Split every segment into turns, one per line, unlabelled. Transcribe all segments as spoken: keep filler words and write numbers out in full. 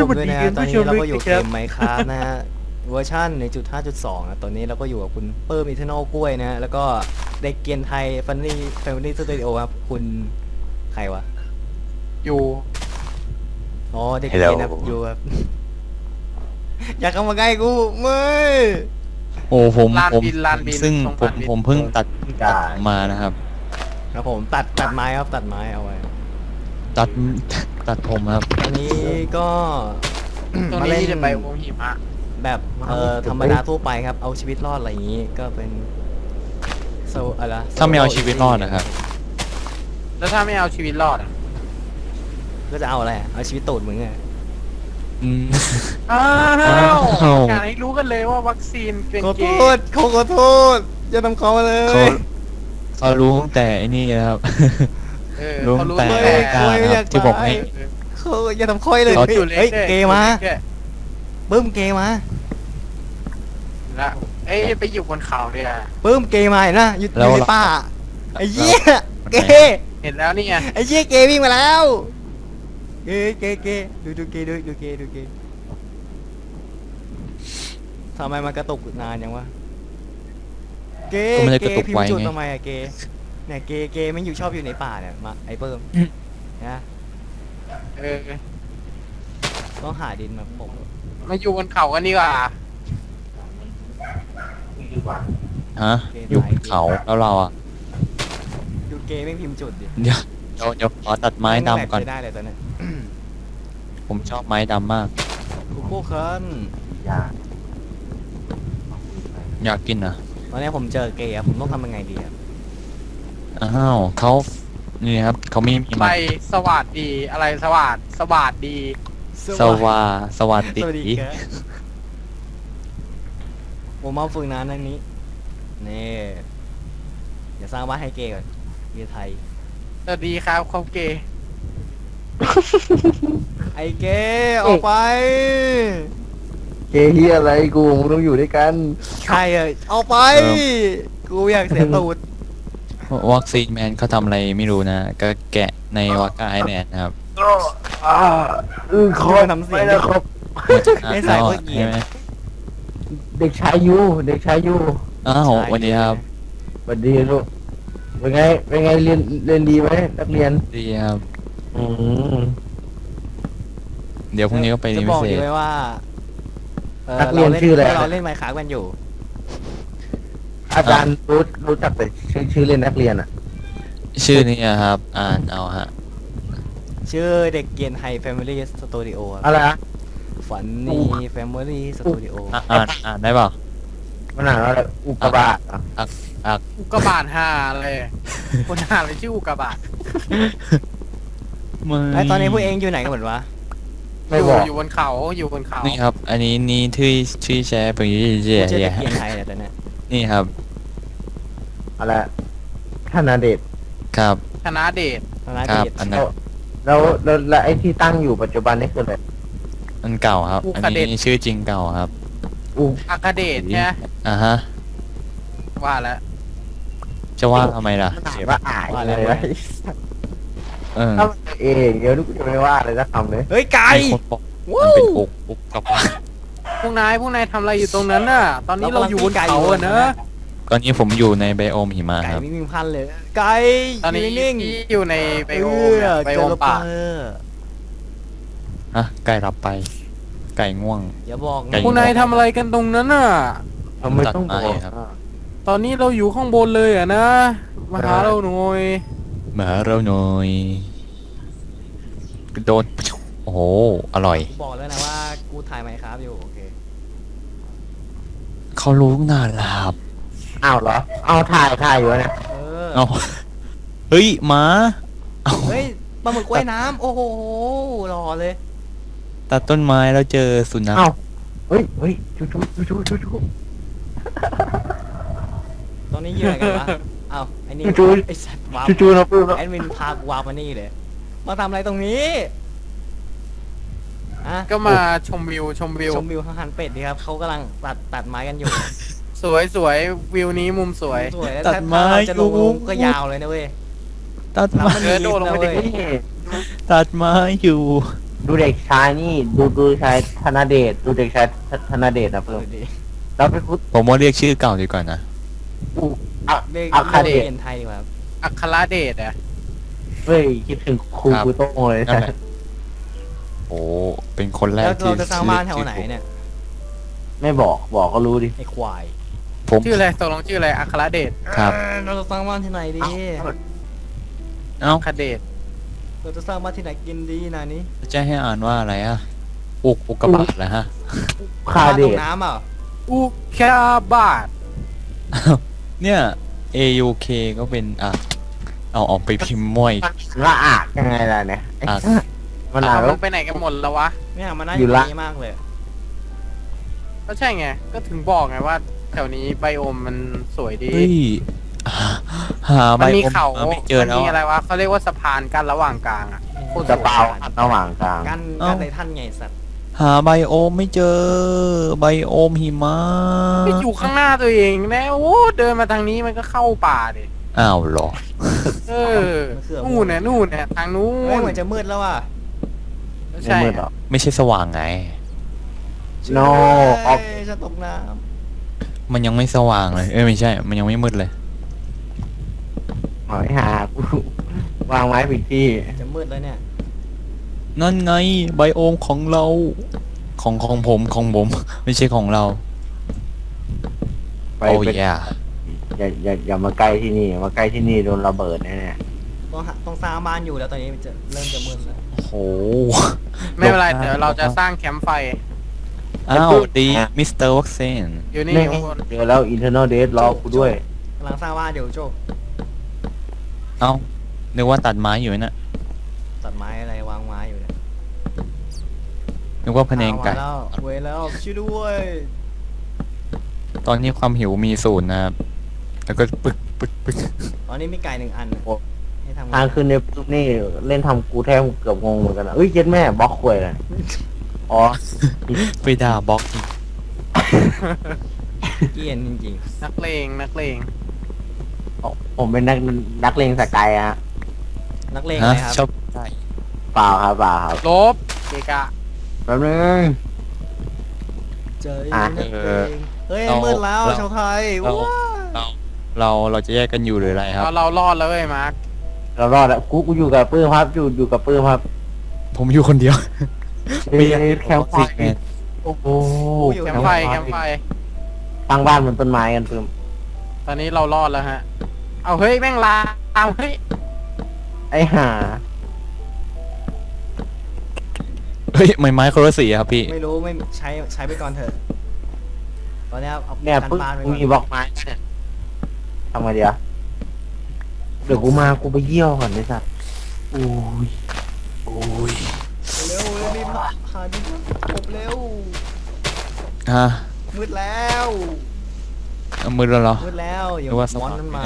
ผมด้วยนะตอนนี้เราก็อยู่เกม Minecraft นะฮะเวอร์ชัน หนึ่งจุดห้าจุดสอง นะตอนนี้เราก็อยู่กับคุณเปิ้มอีเทอร์นอลกล้วยนะฮะแล้วก็เด็กเกียนไทยฟันนี่แฟมิลี่สตูดิโอครับคุณใครวะ
อยู่
อ๋อเด็กเกียนครับอยู่ครับ อยากเข้ามาใกล้กูไม่
โอ้ผม
ลาน
ผม
บินลานบิน
ซึ่ง
ตรง
ผม
ลานบิน
ผมเพิ่งตัดตัดมานะครับ
ครับผมตัดตัดไม้ครับตัดไม้เอาไว้
ตัดตัดผมครับ
ตอนนี้ก็
ตรง
มา
นี้
เล่น
จะไปวงหิมะ
แบบเอ่อธรรมดาทั่วไปครับเอาชีวิตรอดอะไรอย่างนี้ก็เป็นโซอะไรนะ
ถ้าไม่เอาชีวิตรอดนะครับ
แล้วถ้าไม่เอาชีวิตรอดอ่ะ
ก็จะเอาอะไรอะเอาชีวิตตูดมึงไง
อืม
อ้าว
อ้าว
อยากให้รู้กันเลยว่าวัคซีนเป็น
ขอ
เก
โทษ
ย์
เขาขอโทษอย่าทำเขามาเลย
เขาเขารู้ตั้งแต่ไอ้นี่นะครับ
เออ
รู้
เขารู้
แต่
ตั้ง
เฮ้
แต่
ย
กล้านะครับที่ผมให้
เขาอย่าทำค่อยเลย
เขา
อยู่เล็ก
เฮ้ย
ด้วย
เกย์มา
อยู่เล็กด้วย
ปึ้มเกย์มา
ละเอ้ยไปอยู่บนเขาเนี่ย
ปึ้มเกย์มาเห็นนะอยู่อ
แล้ว
ยู่ในป่าไอ้เหี้ยเกย์
เห็นแล้วนี่ไง
ไอ้เหี้ยเกย์วิ่งมาแล้วเกย์เกย์เกย์ดูดูเกย์ดูดูเกย์ดูเกย์ทำไมมันกระตุกนานยังวะเกย์
ก็ไม่ได้
เก
กระตุ
ย์
ก
พิม
ไว
พ์จุด
ไง
ทำไมอะเกย์เนี่ยเกย์เกย์ไม่อยู่ชอบอยู่ในป่าเนี่ยมาไอ้เปิ้มนะ
เออ
ต้องหาดินมาปก
มาอยู่บนเขากันดีกว่า
ฮะอยู่บนเขาแล้วเราอ่ะ
ดูเกย์ไม่พิมพ์จุดดิ
เดี๋ยวเดี๋ยวเดี๋ยวขอตัดไม้ดำก่อน
แม่งแหลใช้ได้เลยตอนเนี้ย
ผมชอบไม้ดำมาก
กูโก้เคิน
อยากกินอ่ะ
ตอนนี้ผมเจอเกย์อะผมต้องทำยังไงดีครับ
อ้าวเขานี่ครับเขาไม่มี
ไป
มา
สวัสดีอะไรสวัสดสวัสดี
สวาสวัสดี
สวัสดีครับผมมาฝึกงานอันนี้นี่อย่าสร้างบ้านให้เกย์ก่อนเกย์ไทย
สวัสดีครับเขาเกย์
ไอ้เกย์ออกไป
เกย์เฮียอะไรกูมึงต้องอยู่ด้วยกัน
ใครเอ่ยออกไป กูอยากเสียตูด
วัคซีนแมนเขาทำอะไรไม่รู้นะ ก็แกะในวากาไอแลนด์นะครับ
อ่าเออขอ
ทำเสียง
ไม่นะครับ
มาจากอา
ไม่
ร์
ใส่
เซนอ
พว
ล
กเหยียด
ใช่ไหม
เด็กชายยูเด็กชายยู
อ้าววันนี้ครับ
สวัสดีลูกเป็นไงเป็นไงเรียนเรียนดีไหมนักเรียน
ดีครับ
อืม
เดี๋ยวพรุ่งนี้ก็ไป
จะ
เรียน
บ
พิ
อก
เศ
ดี
ษ
ไว้ว่าเ
นักเรียนชื่ออะไร
เราเล่นไมค์ค้ากันอยู่
อาจารย์รู้รู้จักแต่ชื่อชื่อเล่นนักเรียนอ่ะ
ชื่อนี้ครับ อ่านเอาฮะ
ชื่อเด็กเกียนไฮแฟมิลี่สตูดิโอ
อะไรนะ
ฝันนี่แฟมิลี่สตูดิโอ
อ่ะอ่านอ่านได้เปล่า
มันอ่านว่าอะไรอุกกาบาตเหรอ
อักอัก
อุกกาบาตห้าเลยคนหาเลยชื่ออุกกาบาต
มึง
ไอ้ตอนนี้พวกเองอยู่ไหนกันหมดวะ
ไม่
อยู่
บอก
อยู่บนเขาอยู่บนเขา
นี่ครับ อันนี้นี่ที่ที่แชร์ไปยี่
กู
เจีย
ชื่อ
เจี
เด็
ย
กเกียนไทยเนี่ยตอนเนี้ย
นี่ครับ
อะไรท่านนาเดชน์
ครับ
ธนาเดช
ธนา
ครับ
เกียรติ
อันนั้น
แล้วแล้วแล้วไอ้ที่ตั้งอยู่ปัจจุบันนี่คืออะไร
อันเก่าครับ อันนี้ชื่อจริงเก่าครับ
อุ
อาคาเดชใช่ไหม
อ่าฮะ
ว่าแล้ว
จะว่าทำไมล่ะ
มันอ่านว่าอ่ายอะไรวะ
เออ
ถ้ามันเองเดี๋ยวลูกจะไม่ว่าอะไรสักคำเลย
เฮ้ยไก่
มีคนบอกมันเป็นอกอกกับว่า
พวกนายพวกนายทำอะไรอยู่ตรงนั้นน่ะ ตอนนี้เราอยู่บนเขาอะเนอะ
ตอนนี้ผมอยู่ในไบโอมหิมะ
ไก่
ครับ
ไม่มีพันเลยไก่
ตอนนี้
ยู่นิ่ง
ที่อยู่ในไบโอม
เอ
เนี่ย
อ
ไบ
เจ
โอ
อ
ม
รถ
ป่า
เออ
ฮะ ไก่รับไป ไก่ง่วง
อย่าบอก
ไก่
นะ
พวกนายทำอะไรกันตรงนั้นน่ะ
ทำไมต้องบ
ตั
อ
ดไม้
ก
ครับ
อ่ะ
ตอนนี้เราอยู่ข้างบนเลยอะนะมาหาเราหน่อย
มาหาเราหน่อยโดนโอ้โห อร่อย
กูบอกแล้วนะว่ากูถ่ายไมค์ครับอยู่โอเค
เขารู้นานแล้วครับ
อ้าวเหรอ เอาถ่ายถ่ายอยู่เนี่ย
เออ
เอาเฮ้ยหมาเอา
เฮ้ยปลาหมึกว่ายน้ำโอ้โหรอเลย
ตัดต้นไม้แล้วเจอสุนัข
อ้าวเฮ้ยเฮ้ยชูชูชูชูชูชู
ตอนนี้ยืนอะไรกันวะเอ้าไอ้นี่
ชูชู
ไอ้สัตว์วาร์ป
ชูชูนะปื้มนะ
แอดมินพากูวาร์ปมานี่เลยมาทำอะไรตรงนี้อะ
ก็มาชมวิวชมวิว
ชมวิวข้างหันเป็ดดีครับเขากำลังตัดตัดไม้กันอยู่
สวยสวยวิวนี้มุมสวย
สวยแล้ว
ตัด
ถ้า
ไม้
เราจะลง
อยู่
ก็ยาวเลยนะเว้ย
ตัดไม้
เออโดดลงไปดิ
เว้ย
นี่
ตัดไม้อยู่
ดูเด็กชายนี่ ดูดูชายธนเดชดูเด็กชายธนเดชนะ
เอ
เพิ่ม
อดี
แล้วไปคุด
ผมว่าเรียกชื่อเก่าดีกว่านะ
อูอะ
เรียก
อะคา
เรี
เด
ยก
ช
เรียนไทยดีกว่าครับ
อัครเดชอะ
เฮ้ยคิดถึงครู
ครับ
ครูโต้งเลย
นั่นแหละ โอ้เป็นคนแร
แล้
ก
ว
ที่
เราจะสร้างบ้านแถวไหนเนี่ย
ไม่บอกบอกก็รู้ดิ
ไอ้ควาย
ผม
ชื่ออะไรตกลงชื่ออะไรอัครเดช
ครับ
เอ้ยเราจะสร้างบ้านที่ไหนดี
เอ้า
อัครเดช
เราจะสร้างบ้านที่ไหนกินดีนะนี่
จะให้อ่านว่าอะไรอะอุกอุกกาบาตเหรอฮะ
คา
บ้าน
เด
ตก
ช
น้ำอ่ะ
อุคาบาต
เนี่ย เอ ยู เค ก็เป็นอ่ะเอาออกไปพิมพ์มั่วอีก
ละอากยังไงล่ะเนี่ยไอ้
อ่ะ
มันอ่าน
มั
แล้ว
นไปไหนกันหมดแล้ววะ
เนี่ยมันน่า
อยู่
อยู่
ละ
นี้มากเลย
ก็ใช่ไงก็ถึงบอกไงว่าแถวนี้ไบโอมมันสวยดี
เฮ้ยหา
มัน
ใบ
มี
อม
เขา
ไม่เจอ
มัน
แล้ว
มีอะไร
อะ
วะเขาเรียกว่าสะพานกั้นระหว่างกลางอะ
โคตร
จะ
สวย
เปล่าระหว่างกลาง
กัน
เอ้า
กันในท่านไงสัตว์
หาไบโอมไม่เจอไบโอมหิมะ
ไปอยู่ข้างหน้าตัวเองนะโอ้เดินมาทางนี้มันก็เข้าป่าดิ
อ้าวเหรอ
เออนู่นเนี่ยนู่นเนี่ยทางนู้
เฮ้ย
น
เหมือนจะมืดแล้วอ่ะ
ไม่
ไม่
ใช่
มืดหรอก
ไม่ใช่สว่างไง
No
เฮ้ยจะตกน้
มันยังไม่สว่างเลย เอ้ยไม่ใช่ มันยังไม่มืดเลย
หอยหากูวางไม้ผิดที่
ำจะมืดแล้วเนี่ย
นั่นไงไบโอมของเรา ของของผมของผม ไม่ใช่ของเรา
ไป
โอ้
ไป
ย
อย่าอย่าอย่ามาใกล้ที่นี่มาใกล้ที่นี่โดนระเบิดแน่
ต้องหาต้องสร้างบ้านอยู่แล้วตอนนี้มันจะเริ่มจะมืดแล้ว
โอ้โห
ไม่เป็นไรเดี๋ยวเราจะสร้างแคมป์ไฟ
อ้าวดีมิสเตอร์วัคเซน
อยู่
ๆ
นี่
นี่
ข้างบน
เจอแล้ว internal date รอกูด้วย
กำลังสร้างบ้านเดี๋ยวโจก
เอ้า นึกว่าตัดไม้อยู่น่ะ
ตัดไม้อะไรวางไม้อยู่เนี่ย
นึกว่าพะเนงไก่
อาแล้วเว้ยแล้วช่วยด้วย
ตอนนี้ความหิวมีศูนย์นะครับ แล้วก็ปึกปึกปึก
ตอนนี้มีไก่หนึ่งอัน
โอ้
ให้ทำไง
ทางขึ้นในปุ๊บนี่เล่นทำกูแทบเกือบงงเหมือนกันนะเอ้ยเย็ดแม่บล็อกควยเลยอ๋อ
ไปด่าบล็อกอีก
เกลียนจริง
นักเลงนักเลง
ผมเป็นนักนักเลงสกายอะ
ๆ นักเลง
ฮะ
เลยครับ
ชอบไก่
เปล่าครับเปล่าครับ
ลบเกะกะ
แป๊บนึง
เจอ
อ่ะ
นักเลงเฮ้ย
เรา
มืดแล้ว
เรา
ชาวไทย
เรา
ว้า
เราเราเราจะแยกกันอยู่หรืออะไรครับ
เราเรารอดแล้วเว้ยมาร์ค
เรารอดแล้วกูกูอยู่กับปื้มครับอยู่อยู่กับปื้มครับ
ผมอยู่คนเดียว
มีแคมป์ไฟ
แมน
โอ้โห
แคมป์ไฟแคมป์ไฟ
ตั้งบ้านบนต้นไม้กันปื้ม
ตอนนี้เรารอดแล้วฮะ เอาเฮ้ยแม่งลาเอาเฮ้ย
ไอ้ห่า
เฮ้ยไม้ไม้คนละสีครับพี่
ไม่รู้ไม่ใช้ใช้ไปก่อนเถอะ ตอนนี้เอา
เนี่ย
กัน
ปื้ม
บ้านไป
กู
ก่อน
มีบล็อกไม้เนี่ยทำไงเดียวเดี๋ยวกูมากูไปเยี่ยวก่อนไอ้สัสโอ้ยโอ้ย
เร็วเร็วรีบหาหาดินกบเร็ว
ฮะ
มืดแล้ว
เอามือแล้วเหรอ
มืดแล้วอย่า
นึกว่าส
มอ
ว่าน ง
นั้นมา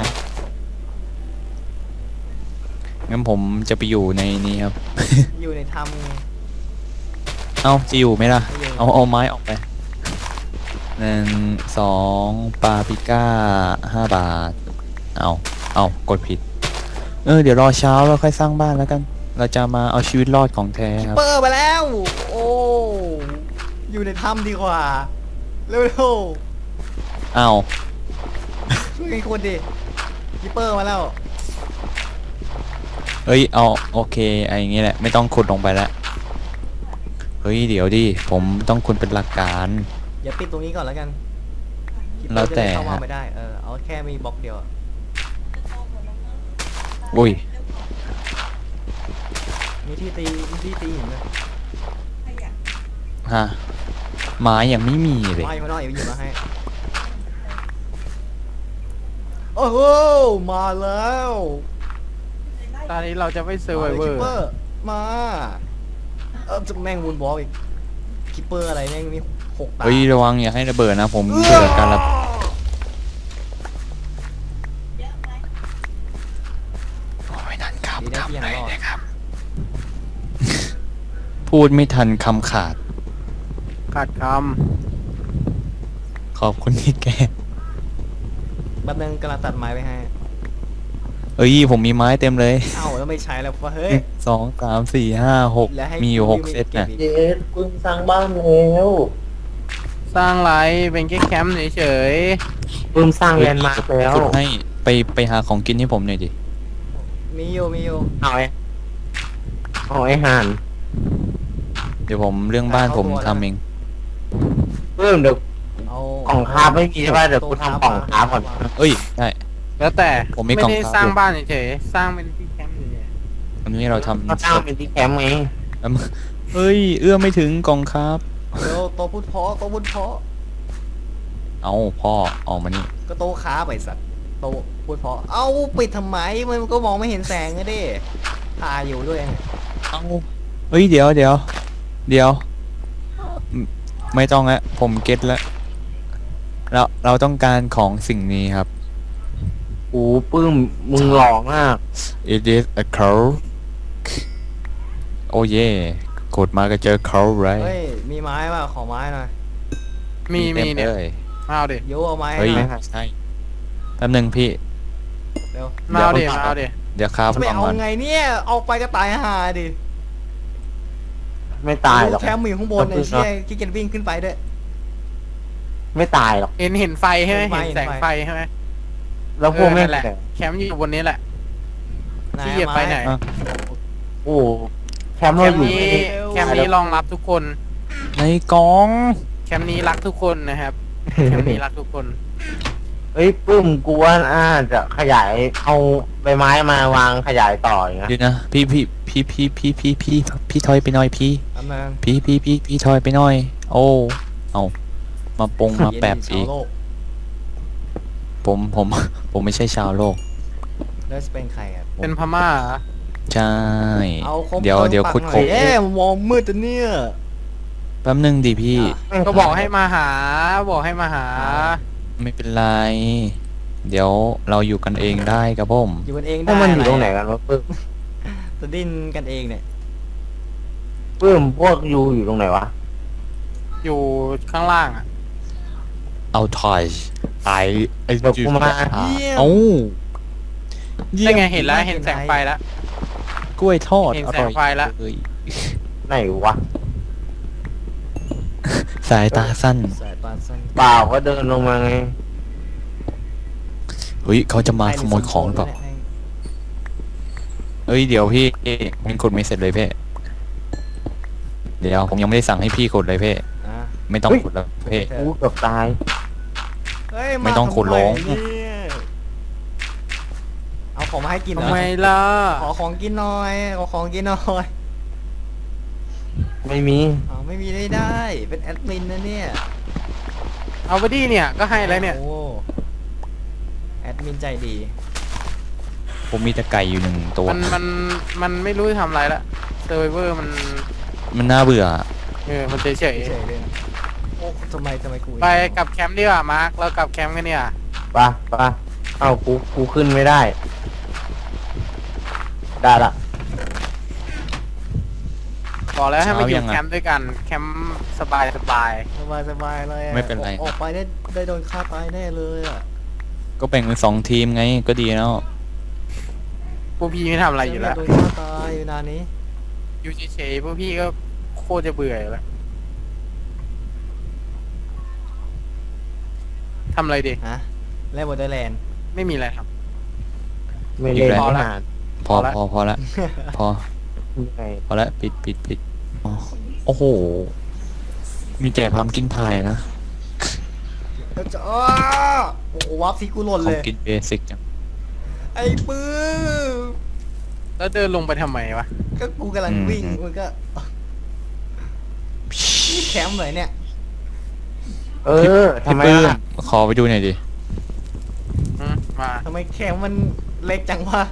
งั้นผมจะไปอยู่ในนี้ครับ
อยู่ในถ้ำไง
เอ้าจะอยู่ไหมล่ะ
ไม่อยู่
เอาเอาไม้ออกไปหนึ่งสองปาปริก้าห้าบาท เอาเอากดผิด เออเดี๋ยวรอเช้าแล้วค่อยสร้างบ้านแล้วกัน เราจะมาเอาชีวิตรอดของแท้ครับ
เปิดมาแล้ว โอ้อยู่ในถ้ำดีกว่าเร็ว
เอา
ๆช่วยกันคนดิกิปเปอร์มาแล้ว
เฮ้ยเอาโอเคไอ้อย่างงี้แหละไม่ต้องขุดลงไปแล้วเฮ้ยเดี๋ยวดิผมต้องคุณเป็นหลักการ
อย่าปิดตรงนี้ก่อนแล้วกัน Keeper
แล้วแต่
จะได้เข้ามาไม่ได้เออเอาแค่มีบล็อกเดียวอะ
อุ้ย
มีที่ตีมีที่ตีหินเลย
ฮะไม้ยังไม่มีเลย
ไม่มาหน่อยเดี๋ยวหยิบมาให้โอ้โหมาแล้ว
ตอนนี้เราจะไม่เซอร์ไวเวอ
คิป
ร์
เปอร์มาเออจะแม่งวูนบอลอีกคิปเปอร์อะไรแม่งมีหกตา
เฮ้ยระวังอย่าให้ระเบิดนะผมเบื่อการระโอ้ยนั่นครับ
ดีนะ
ทำ
ที่ยัง
ไร
รอด
นะครับ พูดไม่ทันคำขาด
ขาดค
ขอบคุณที่แก
แป๊บนึงกำลังตัดไม้ไปให้
เอ้ยผมมีไม้เต็มเลย
เอ้าแล้วไม่ใช้แล้ววะเฮ้ย
สองสามสี่ห้าหก
แล้วให้
มีอยู่
กู
หก
ไม่
เซต
เก็บ
นะ
อีก
เย็ดปึ้มสร้างบ้านแล้ว
สร้างไรเป็นแค่แคมป์เฉย
ปึ้มสร้างแลนด์มาร์คแล้ว
ขุดให้ไปไปหาของกินให้ผมหน่อยดิ
มีอยู่มีอยู่
เอาไอ้เอาไอ้ห่าน
เดี๋ยวผมเรื่องบ้านผมทำเอง
ปึ้มเดี๋ยว
เอา
กล่องคาบไม่มีใช่ป่ะเดี๋ยวกูทำกล่องคาบก่อน
เอ้ยได้
ๆแล้วแต่
ผมมี
ไม่
กล่อง
ได้
ครับ
สร้างบ้านเฉยๆสร้างเป็นที่แคมป์เฉย
อันนี้เราทำ
ก็สร้างเป็นที่แคมป์ไง
เอ้ย เอื้อมไม่ถึงกล่องครับ
เดี๋ยวโตะพุทธเพาะโตะพุทธเพาะ
เอาพ่อออกมานี่
ก็โตะค้าไปสัตว์โตะพุทธเพาะเอ้าปิดทำไมมันก็มองไม่เห็นแสงอะดิตาอยู่ด้วยไง
เอาเฮ้ยเดี๋ยวเดี๋ยวเดี๋ยวไม่ไม่ต้องละผมเก็ตแล้วเราเราต้องการของสิ่งนี้ครับ
โอ้ปึ้มมึงหล่อมาก
it is a crow โอ้เย่กดมาก็เจอ crow ไร
เฮ้ยมีไม้ป่ะขอไม้หน่อย
ๆมีมีเนี่ย
ต็ล
มาเอาดิ
โยเอาไม้ให้
เฮ้ย
หน่อย
ใช่แป๊บนึงพี่
เร็ว
มาเอาดิมาเอาดิ
เดี๋ยวครับ
จะไม่
สอง
เอา
วัน
ไงเนี่ยเอาไปก็ตายห่าดิ
ไม่ตายหรอก
แคมป์อยู่ข้างบนไอ้เชี่ยขี้เกียจวิ่งขึ้นไปด้วย
ไม่ตายหรอก
เห็นเห็นไฟใช่ไหม
เห็นไฟ
เห็นแสง
เห็นไฟ
ไฟใช่ไหม
แล้วพวกแม่ง
เออนั่นแหละ
เนี่ย
แคมป์อยู่บนนี้แหละ
ไหน
ที่เหยียบ
อะ
ไป
ม้
ไหน
อ่ะ
โอ้แคมป์
แค
เรา
ม
อ
ป์
ยู่
นี้
ไม่ได้
แคมป์นี้รองรับทุกคน
ในกล่อง
แคมป์นี้รักทุกคนนะครับ แคมป์นี้รักทุกคน
เฮ้ยปึ้มกูว่าน่าจะขยายเอาใบไม้มาวางขยายต่ออย่างเงี้ย
เดี๋ยวนะพี่พี่พี่พี่พี่พี่พี่พี่ถอยไปหน่อยพี่
ทำนึง
พี่พี่พี่พี่ถอยไปหน่อย โอ้เอามาปงมาแปบ
เย็
อี
น
ก
ชาวโลก
ผมผมผมไม่ใช่ชาวโลก
แล้วจะเป็นใครครับ
เป็นพม่าเหรอ
ใช่
เอาคม
เดี๋ยว
ติม
เดี๋ยว
ปาก
ขุด
หน่
ค
อ
ร
ย
บ
เอ๊ะมองมืดจังเนี่ย
แป๊บนึงดิพี่
อ่ะ
ก็บอกให้มาหา บอกให้มาหา
ไม่เป็นไร เดี๋ยวเราอยู่กันเองได้ครับผม
อยู่กันเองได้
ถ้ามันอยู่ตรงไหนกันวะปึ้ม
จะดิ้นกันเองเนี่ย
ปึ้มพวกยูอยู่ตรงไหนวะ
อยู่ข้างล่างอ่ะ
เอาทอยไอไอ
เดี๋ยวกูมา
เอ้า
ได้ไงเห็นแล้วเห็นแสงไฟแล้ว
กล้วยทอด
เห็น
อ
แส
ร่
ง
อย
ไฟแล้ว
เลย
ไหนวะ
สายตาสั้น
สายปานสั้น
เปล่าก็เดินลงมาไง
เฮ้ยเขาจะมาขโมยของหรือเปล่าเอ้ยเดี๋ยวพี่มันกดไม่เสร็จเลยเพ่เดี๋ยวผมยังไม่ได้สั่งให้พี่กดเลยเพ่
อ่ะ
ไม่ต้องกดแล้วเพ่
เธ
กูเกือบตาย
เฮ้ยา
ไม่ต้องขุดลง
ทำไมเนี่ยเอาของมาให้กินเหร
ทำ
อ
ไมล่ะ
ขอของกินหน่อยขอของกินหน่อย
ไม่มี
เอาไม่มีได้ได้เป็นแอดมินนะเนี่ย
เอาไปดิเนี่ย ก็ให้แล้วเนี่ย
โอ้แอดมินใจดี
ผมมีแต่ไก่อยู่หนึ่งตัว
มันมันมันไม่รู้จะทำอะไรละเซอร์ไวเวอร์มัน
มันน่าเบื่อ
เออมันเฉย
เฉยๆเลยโอ้ทำไมทำไมกู
ๆไปกลับแคมป์ดีกว่ามาร์คเรากลับแคมป์กันเนี่ย
ปะปะเอ้ากูกูขึ้นไม่ได้ ได้ละ
บอกแล้วให้มาอยู่
เช้ายังอะ
แคมป์ด้วยกันแคมป์สบายสบาย
สบายสบายเลยอะ
ไม่เป็นไร
ออกไปได้ได้โดนฆ่าตายแน่เลยอ่ะ
ก็แบ่งเป็นสองทีมไงก็ดีแล้ว
พวกพี่ไม่ทำอะไรอยู่แล้ว
โดนฆ่าตายอยู่นานนี้
อยู่เฉยๆพวกพี่ก็โคตรจะเบื่ออยู่แล้วทำอะไรดี
ฮะเล่นบอร์เดอร์แลนด์
ไม่มีอะไรท
ไม่เล่น
อีกแล้ว
ไม่หาน
พอ
พอละ
พอพอละพอ
ไง
พอละปิดปิดปิดอ๋อโอ้โห มีแจกพัมกินพายนะ
จะอ้าโอ้โหวับซีกูหล่น
ขอ
เล
ง
ย
กินเบสิกจัง
ไอ้ปื้ม
ำแล้วเดินลงไปทำไมวะ
ก็กูกำลังวิ่งมันก็นี่แคมป์เลยเนี่ย
เออทำ
พี่
ไม
ปื้ม
ล่ะ
ขอไปดูหน่อยดิ
อืมมา
ทำไมแคมป์มันเล็กจังวะ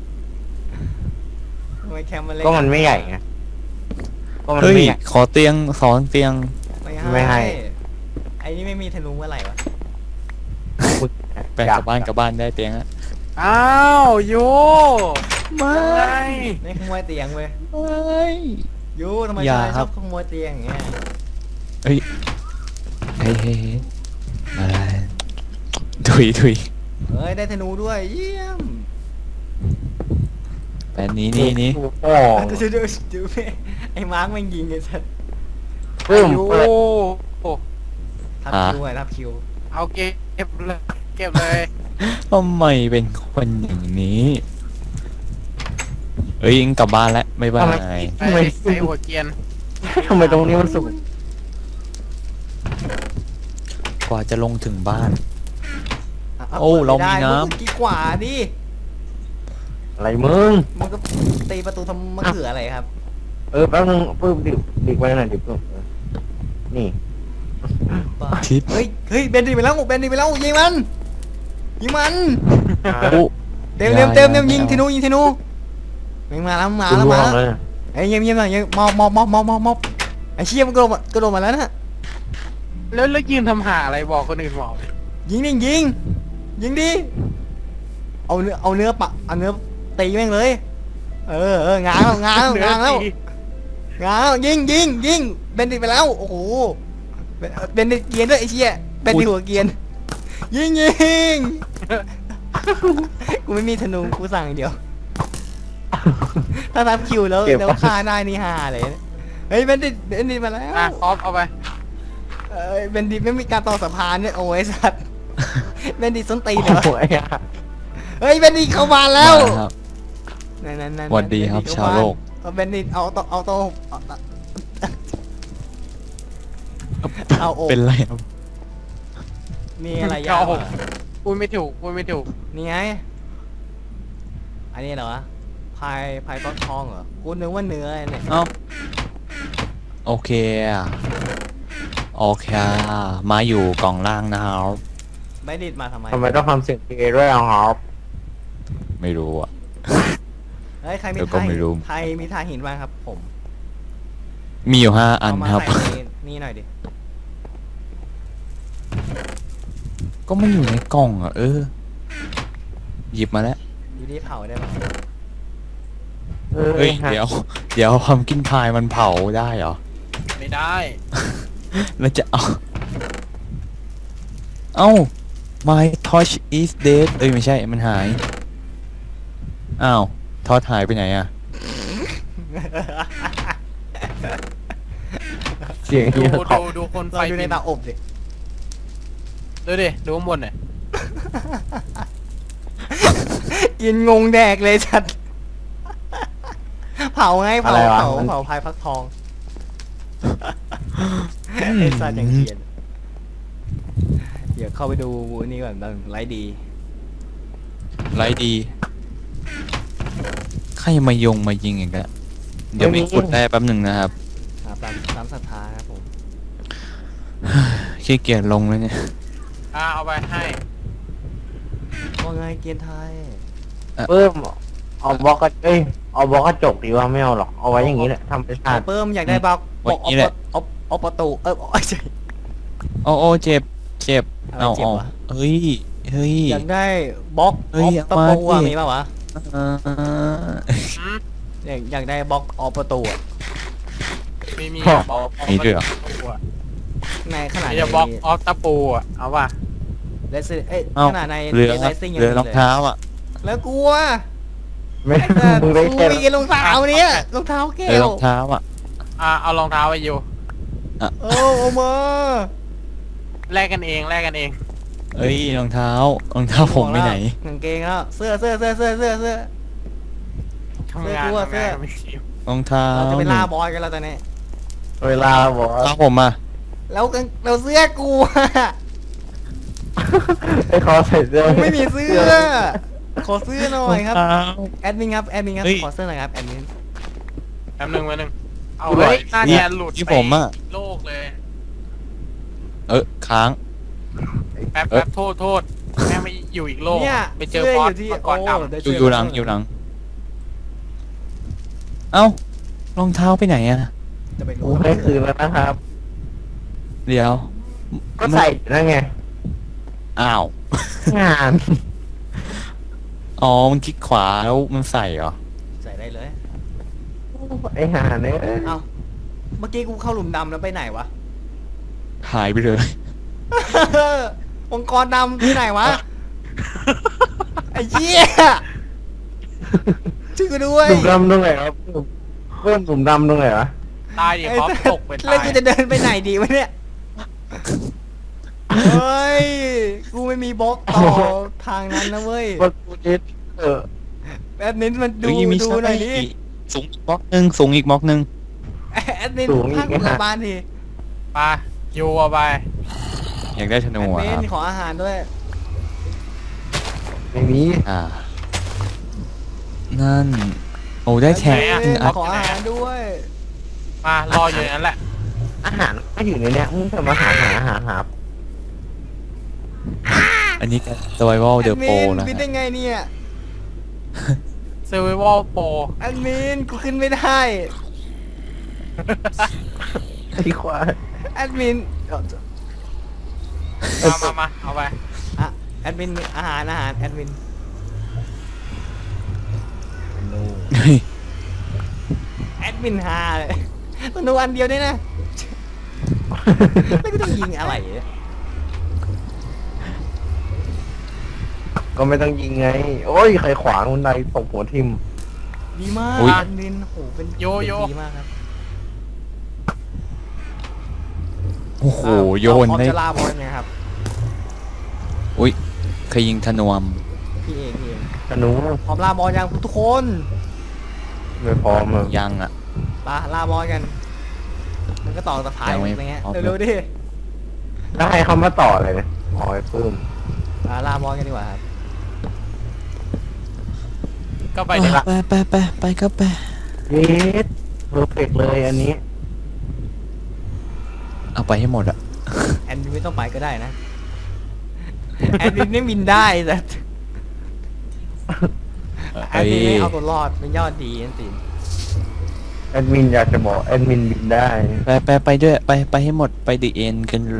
ทำไมแคมป์มันเล็ก
ก็มันไม่ใหญ่ไงก็มัน
เฮ้ย
ไม่ใหญ่
ขอเตียงสองเตียง
ไม่
ไม่ให้
ให้ไอ้นี่ไม่มีธนูเมื่อไหร่วะ
แปลงกลับบ้านกลับบ้านได้เตียงอะ
อ้าวโย
ไม่
ไง
นี่ขโมยเตียงเว้ย
ไม่
ยูทำไม
อย่า
ชาย
ค
ช
รั
อบ บขโมยเตียงอย่างเงี้ย
เฮ้ยเฮ้ยเฮ้ยเฮ้ยอะไรถุยถุย
เฮ้ยได้ธนูด้วยเยี่ยม
แปดนี้นี่นี่
โอ้
ดูดูดูดูไอ้มาร์กแม่งยิงไอ้สัส
ปึ้ม
โอ้
เปิด
โห
ทับคิวไงทับคิว
เอาเก็บเลยเก็บเลย
ทำไมเป็นคนอย่างนี้เอ้ยยิงกลับบ้านแล้วบ๊ายบาย
ไปใส่หัวเกียน
ทำไมตรงนี้มันสุก
กว่าจะลงถึงบ้าน
ะ
โอ้
ปิด
เรามี
ไได้
น้ำ
มึงกี่กว่าดิ
อะไรมึง
มันก็ตีประตูทำมะเขืออะไรครับ
เออแป๊บนึงปึ้มดิบดิบไว้หน่อยดิบปึ้มเออนี่
บ้า
ทิป
เฮ้ยเฮ้ยเบนดีไปแล้วเบนดีไปแล้วยิงมันยิงมัน
โอ้
เต็มเต็มเต็มเต็มยิงธนูยิงธนูแม่งมาแล้วมา
กู
แล้ว
ล่ว
มาง แล้ว
เลย
ไอ้ยเยี่ยมเยี่ยมหน่อยยังมอบมอบมอบมอบมอบมอบไอ้เชี่ยมันกระโดดมากระโดดมาแล้วนะ
แล้วแล้วยืนทำหาอะไรบอกคนอื่นบอก
ยิงดิยิงยิงดิเอาเนื้อเอาเนื้อปะเอาเนื้อตีแม่งเลย เออเอองางแล้วงางแล้วงางแล้วงางแล้วยิงยิงยิงเบนดิไปแล้วโอ้โหเบนเบนดิเกียนด้วยไอ้เชี่ยเบนดิหัวเกียนยิงยิงกูไม่มีธนูกูสั่งอย่างเดียว ถ้ารับคิวแล้วแล้วฆ่าได้นี่ฮาเลยนะเฮ้ยเบนดิเบนดิมาแล้ว
อ่ะครอปเอาไป
เอ้ยเบนดิไม่มีการต่อสะพานเนี่ยโอ้ยสัตว์เบนดิส้นตีนเหรอ
โอ้ยอะ
เฮ้ยเบนดิเข้ามาแล้ว
มาครับ
นั่นนั่นนั่น
สวัสดีครับชาวโลก
เอาเบนดิเอาโตเอาโตเอาเอาโอบ
เป็นไรครับ
มีอะไรยากกว่า
พูดไม่ถูกพูดไม่ถูก
นี่ไงอันนี้เหรอพายพายฟักทองเหรอกูนึกว่าเนื้อเนี่ย
เอ้าโอเคอะโอเคอะมาอยู่กล่องล่างนะครับ
ไม่ดิดมาทำไม
ทำไมต้องทำเสียงเพลงด้วยอ่ะครับ
ไม่รู้อะ
เฮ้ยใครมี
เดี๋ยวก็
ทาย
ไม่รู้
ใครมีทายหินบ้างครับ ผม
มีอยู่ห้าอัน
เอามา
ครับ
ใส่ในนี่หน่อยดิ
ก็ไม่อยู่ในกล่องอ่ะเออ หยิบมาแล้ว
อยู่ที่เผาได้ปะ
เฮ้ย เดี๋ยว เดี๋ยวความกินพายมันเผาได้เหรอ
ไม่ได้
แล้วจะเอา เอ้า my torch is dead เอ้ยไม่ใช่ มันหาย อ้าวทอดหายไปไหนอ่ะ
เสียง
ดู
เหี้ย
ดู
เขา
ดูคนไฟ
เราอยู่ใน
บิน
เตาอบดิ
ดูดิดูข้างบนหน่อย
กินงงแดกเลยชัด เผาไงเผาเผาเผาพายฟักทองไอ้สัตว์อย่างเขียนเดี๋ยวเข้าไปดูนี่ก่อนดังไลฟ์ดี
ไรดี ใครมายงมายิงอย่างเงี้ยเดี๋ยวมีขุดได้แป๊บหนึ่งนะครับ
ครับตามตามศรัทธาครับผม
ขี้เกียจลงแล้วเนี่ย
อ่ะเอาไปให้
ว่าไงเกียนไทย
เพิ่มเอาบล็อกกระเอ้ยเอาบล็อกกระจกดีว่าไม่เอาหรอกเอาไว้อย่างนี้แหละทำไปชาติ
เพิ่มอยากได้บล็อกบล็อก
วันนี้แหละ
เอาเอาประตูเออเอาใช่
โอ้โอ้เจ็บ เจ็บ
อะไร
เอา
เจ็บ
เอา
วะ
เฮ้ย เฮ้ย
อยากได้บล็อก
เฮ้ย
ออฟตะปู
เอา
อะ
มาดิ
มีป่าวะ
เอ่อ
อืม
อยากอยากได้บล็อกออฟประตูอะ
ไม่มี
อ๋อ
บอก
มีด้วยเหรอ
ในขนาด
มี
ใน
จะบล็อกออฟตะปูอ่ะเอาป่ะ
เลสเอ้ย
เอ้า
ขนาดใน
เหลือ
เลสซิ่งยัง
เหลือ
มี
รอง
เลย
เท้าอ่ะ
แล้วกลัว
ไม่
แต่
มึงได้
กู
แค่
มีรองเท้าเนี้ยรองเท้าแก้
เหลือ
ว
รองเท้าอ่ะ
อ่ะเอารองเท้าไปอยู่
โอ้โอมา
แลกกันเองแลกกันเอง
เอ้ยรองเท้ารองเท้าผมไปไหน
กางเกงแล้วเสื้อเสื้อเสื้อเสื้อเสื้อเสื้อ
ทำงาน
เสื้อกูอะ
ทำงาน
เสื้อ
ไม่คิว
รองเท้า
เราจะไปล่าบอยกันแล้วตอนนี้
เวลาบอก
รองเท้าผมอ่ะ
แล้วกางเราเสื้อกูอะ
ไอ้คอใส่เสื้อ
กูไม่มีเสื้อ ขอเสื้อหน่อยครับ
รองเท้า
แอดมินครับแอดมินครับ
เฮ้ย
ขอเสื้อหน่อยครับแอดมิน
แป๊บนึงแป๊บนึงเอา
เฮ้
ไว้
ย
หน้าแทนหลุด
ที่
ไป
ผมอะ
โลกเลย
เออค้าง
แป๊บ
เอ้ย
แป๊บโทษโทษแม่งไม่อยู่อีกโลก
เนี่ย
ไปเจอ
สื้
บอส
ยู่ที่
มังกรดำ
โได้
อยู่
เสื้
อยู่หลังอยู่หลัง เอ้ารองเท้าไปไหนอ่ะ
จะไป
กู
รู้
ให้คืนแล้วนะครับ
เดี๋ยว
ก็ใส่อยู่นั่นไง
อ้าว
งาน
อ๋อมันคลิกขวาแล้วมันใส่เหรอ
ใส่ได้เลย
ไอ้ห่าเนี่ย
เอ้าเมื่อกี้กูเข้าหลุมดำแล้วไปไหนวะ
หายไปเลย
องค์กรดำที่ไหนวะ ไอ้เหี้ยช่วยกูด้วย
หลุมดำตรงไหนครับเพิ่มหลุมดำตรงไหนวะ
ตายดิ
ไอ้
พร้อม
สัส
ตกไป
แล้
ตา
วย กูจะเดินไปไหนดีวะเนี่ยเฮ้ยกูไม่มีบล็อกต่อทางนั้นนะเว้ย
ว่ากูเด็ดเออ
แอดมินมันดู
เฮ้ยมี
ดูหน่อยดิ
สูงอีกบล็อกหนึ่งสูงอีกบล็อกหนึ่ง
แอดมินพักกลับบ้านที
ไปโยเอาไป
อยากได้ธนู
แอด
อะ
มิ
ครับ
นขออาหารด้วย
ไม่มี
อ่า นั่น โอ้ได้แท็ก
แอด
หนึ่
มิ
ง
น
อัน
ขออาหารด้วย
มารออยู่อย่างนั้นแหละ
อาหารก็อยู่ในเนี้ยมึงจะมาหาหาหาหา
อันนี้ก็ survival
แอ
the
ดมิ
pro
น
นะ
บิน
ฮะ
ได้ไงเนี่ย
เซอร์ไวโอลโปร
แอดมินกูขึ้นไม่ได้
ไอ้ควาย
แอดมินเอา
มามามาเอาไป
อ่ะแอดมินอาหารอาหารแอดมิน
เฮ้ย
แอดมินฮาเลยตัวนูอันเดียวด้วยนะแล้วก็ต้องยิงอะไรเนี่ย
ก็ไม่ต้องยิงไง โอ้ยใครขวางคนใดตกหัวทิม
ดีมาก
อุ๊ย
แอดมินโหเป็น
โยโย่
ดีมากครับ
โอ้โห โยน
ได้
ได้
จะลาบอลเนี่ยครับ
อุ้ยเคยยิงธนวม
พี่เองพี่เอง
ธนู
พร้อมลาบอลยังทุกคน
ไม่พร้อมอะ
ยังอ่ะ
ปาลาบอลกัน มันก็ต่อสะพาย
ยังไม่
อะไรเงี้ย
พร้อม
เร็วๆดิ
แล้วให้เขามาต่อเลยนะอ๋อไอ้ปื้ม
ปาลาบอลกันดีกว่าครับ
ก็ไปดีละ
ไปไปไปไปก็ไป
เยสเพอร์เฟกเลยอันนี้
เอาไปให้หมดอะ
แอดมินไม่ต้องไปก็ได้นะแอดมินไม่บินได้แต่แอดมินไม่เอาตัวรอดเป็นยอดดีนั่นสิ
แอดมินอยากจะบอกแอดมินบินได้
ไปไปไปด้วยไปไปให้หมดไปดีเอ็นกันเลย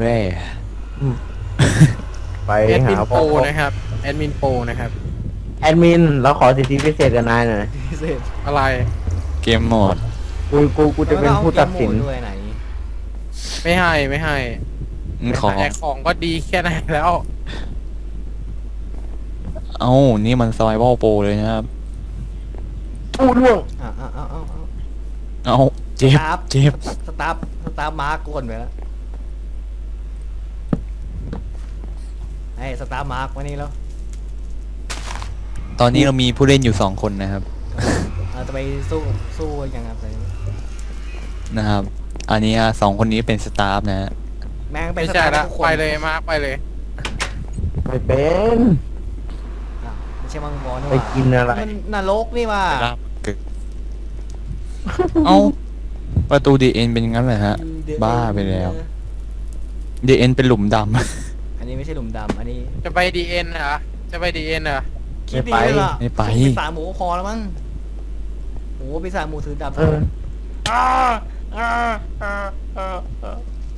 ไป
แอดมิ
หาน
โปรนะครับแอดมินโปรนะครับ
แอดมินเราขอสิทธิพิเศษกับนายหน่อย
เสร็จ
อะไร
เกมโหมด
กูกูกูจะเป็นผู้ตัดสิน
แล้วก็เอาเกมโหมด้วยไหน
ไม่ให้ไม่ให้
อืมขอ
แต่ของก็ดีแค่ไหนแล้ว
เอ้านี่มัน survival pro เลยนะครับ
ผู้ล่วง
อ่ะอ่ะอ่ะอ่ะอ่ะ
เอ้าเจ็บ
ครับ
เจ็บ
สตาร์ฟสตาร์ฟมาร์กกวนไปแล้วไอ้สตาร์ฟมาร์กวันนี้แล้ว
ตอนนี้เรามีผู้เล่นอยู่สองคนนะครับ
เราจะไปสู้สู้ยังไงไป
นะครับ อันนี้อ่ะสองคนนี้เป็นสตาฟนะฮะ
แม่งเป็น
ไม่
ส
ใช่
ตาร์ฟ
ละ
ทุกคน
ไปเลยมาร์คไปเลย
ไม่เป็น
อ่ะไม่ใช่มังกรนี่ห
ไป
ว่า
กินอะไร
มันนรกนี่ว่า
เอ้าประตูดีเอ็นเป็นงั้นเลยฮะ บ้าไปแล้ว ดีเอ็นเป็นหลุมด
อันนี้ไม่ใช่หลุมดำอันนี้
จะไปดีเอ็นเหรอจะไปดีเอ็นเหรอ
คิดดีเลยล่ะ
ำไม่ไป
ปีศาจหมูก็พอแล้วมั้งโอ้โหปีศาจหมูถือดาบ
เออ
อ่าอ่าอ่าอ่าอ่า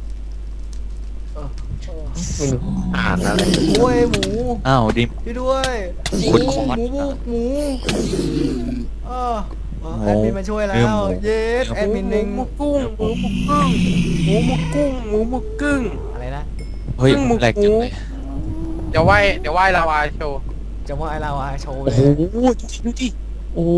ไม่รู้อ่านอะไร
โอ้ยหมู
อ้าวดิม
ช่วยด้วยหมู
คุณคอร์ส
หมูบุกหมูเออเออ
โอ้
แอดมินมาช่วยแล้
เรื่อง
ว
หมู
เยสแอดมินหนึ่ง
หมูกุ้งหมูหมูกุ้งหมูหมูกุ้งหมูหมูกึ้ง
อะไรนะ
เฮ้ย
ครึ่งหมึก
แหลกจังเลย
เดี๋ยวไหวเดี๋ยวไหวลาวาโชว์
จะว่าไอเราอะโชว์
โอ้
เล
โห
ย
ดูดิโอ้โห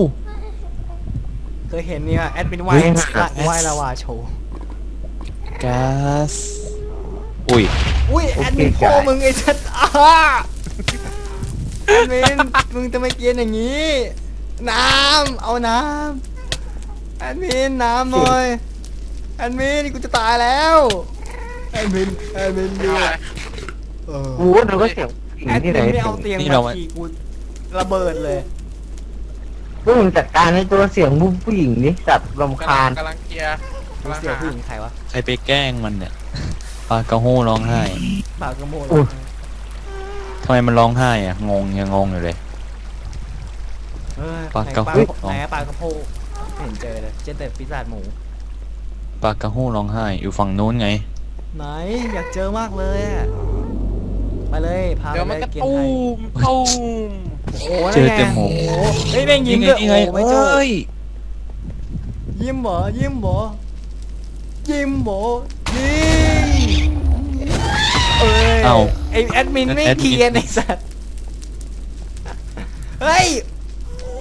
เคยเห็นเนี่ยแอดมินไหว
เฮ้ย
ไหวลาวาโชว์
ก๊าซอุ้ย
อุ้ยแอดมินพ่อมึงไอ้ชัดอ้าแอดมินมึงจะไม่เกียนอย่างนี้ น้ำเอาน้ำแอดมินน้ำหน่อยแอดมินกูจะตายแล้วแอดมินแอดมินดูเออ
กูว่าเราก็เสียงผู้หญิง
แอด
ที่
มิ
ไหน
นไม่เอาเตียง
นี่
มา
เรามา
ขี่กูระเบิดเลย
พวกมึงจัดการในตัวเสียงผู้หญิงนี่จัดรำคาญ
กำลังเคลียร์กำลัง
เสีย
หา
ผู้หญิงใครวะ
ใครไปแกล้งมันเนี่ยปลากระโห้ร้องไห้
ปากกระโมย
ทำไมมันร้องไห้อ่ะ งงยังงงอยู่เลย
เอ้ย
ปากกระโพก
ไหนปากกระโพกไม่เห็นเจอเลยเจอแต่ปีศาจหมู
ปลากระโห้ร้องไห้ อยู่ฝั่งนู้นไง
ไหนอยากเจอมากเลยอะไปเลยพาไป
เดี๋ยว
เล
มัน
ย
ก็
เกียน
ตู
ไทย
มตูม
โอ้โห
เจอ
นั่นไง
แต่หมู
โอ้โหเฮ้ยแม่งยิ้มด้วย
นี่ไง
โอ้โหไม่เจอ
เอ้ย
ยิ้มเหรอยิ้มเหรอยิ้มเหรอยิงเอ้ย
เอ้า
ไอแอดมินไม่
แอดมิน
เกียนไอสัตว์เฮ้ยโอ้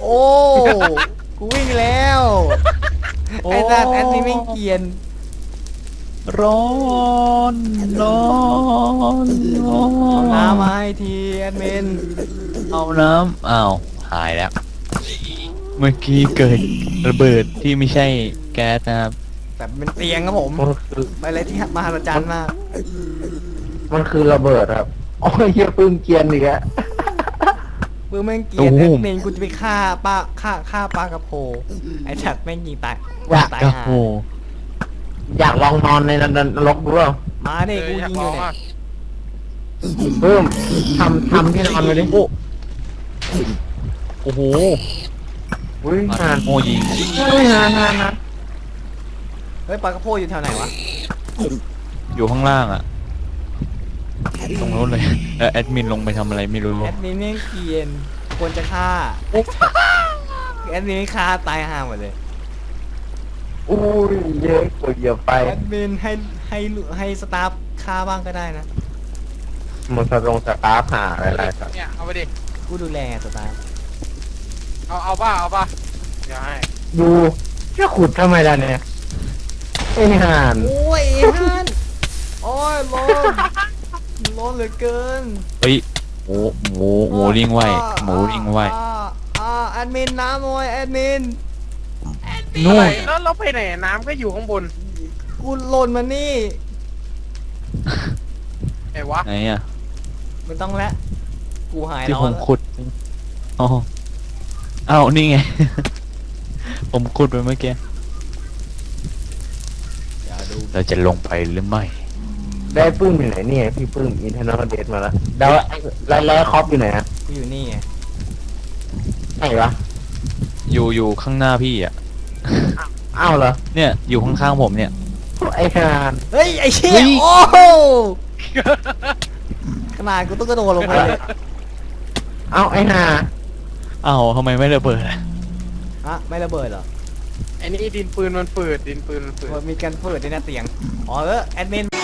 โอ้ กูวิ่งแล้วไอ้สัตว์แอดมินไม่เกรียน
ร้อนร้อนร้อ
เอา
น
น้ำมาให้ทีแอดมิน
เอาน้ำอ้าวหายแล้ว เมื่อกี้เกิดระเบิดที่ไม่ใช่แก๊สนะครับ
แบบเป็นเตียงครับผม
มันคือ
ไปอะไรที่มหัศจรรย์มาก
มันคือระเบิดครับโอ้ยเฮียปืนเกรียนอีกอะ
ปื้มแม่งเกรียนแอดมินกูจะไปฆ่าป้าฆ่าฆ่าปลากระโพไอ้สัตว์แม่งยิงตายตาย
กระ
ห่า
โห
อยากลองนอนในนรกดูเปล่า
มา
เอ
ดิ
อ
กู
อยาก
ยิง
ล
อ
อยู่ ง
เนี่ย
อ่ะ
เพิ่มทำทำที่นอนไปดิ
โอ้โอ้โห
อุ้ยหาน
โมยิง
อุ้ยหานหานหาน
เฮ้ยปลากระโพอยู่แถวไหนวะ
อยู่ข้างล่างอะตรงโน้นเลยแล้วแอดมินลงไปทำอะไรไม่รู้
แอดมินแม่งเกรียนควรจะฆ่าแอดมินไม่ฆ่าตายห่าหมดเลย
อุ้ยเยอะกว่าเหยียบไป
แอดมินให้ให้ให้สตาฟฆ่าบ้างก็ได้นะ
มันสะลงสตาร์ฟหาอะไรๆครับ
เนี่ยเอาไปดิ
กูดูแลสตาฟ
เอาเอาป่ะเอาป่ะเดี๋ยวให้
ดูจะขุดทำไมล่ะเนี่ยไอ้ห่าน
โอ้ยฮันโอ้ยร้อน ร้อนเหลือเกิน
เฮ้ยหมูหมูหมูลิงไหวหมูลิงไหว
อ่าอ่าแอดมินน้ำหน่อยแอดมิน
นู่
อะไร
น
แล้วเราไปไหนน้ำก็อยู่ข้างบน
กูหล่นมานี่
ไอ้วะ
ไหนอะ
ไม่ต้องแล้วกูหาย
ที่
ร้อ
ผ
น
มขุดอ๋ออ้าวนี่ไง ผมขุดไปเมื่อกี้
อย่าดู
เราจะลงไปหรือไม่
ได้ปื้มอยู่ไหนเนี่ยพี่ปื้มอินเทอร์เน็ตเดทมาแล้วแล้วไอ้แล้วแล้วคอปอยู่ไหนอะ
กูอยู่นี่ไง
ไหนวะ
อยู่อยู่ข้างหน้าพี่อะ
อ้าวเหรอ
เนี่ยอยู่ข้างๆผมเนี่ย
ไอ้ห่าน
เฮ้ยไอ้เชี่
เฮ้
ย
ย
โอ้โหขนาดกูต้องกระโดดลงไปเลย
เอ้าไอ้ห่า
อ้าวทำไมไม่ระเบิดอะ
ฮะไม่ระเบิดเหรอ
ไอ้นี่ดินปืนมันฝืดดินปืนมันฝืด
มีการเปิดในหน้าเตียงอ๋อเออแอดมิน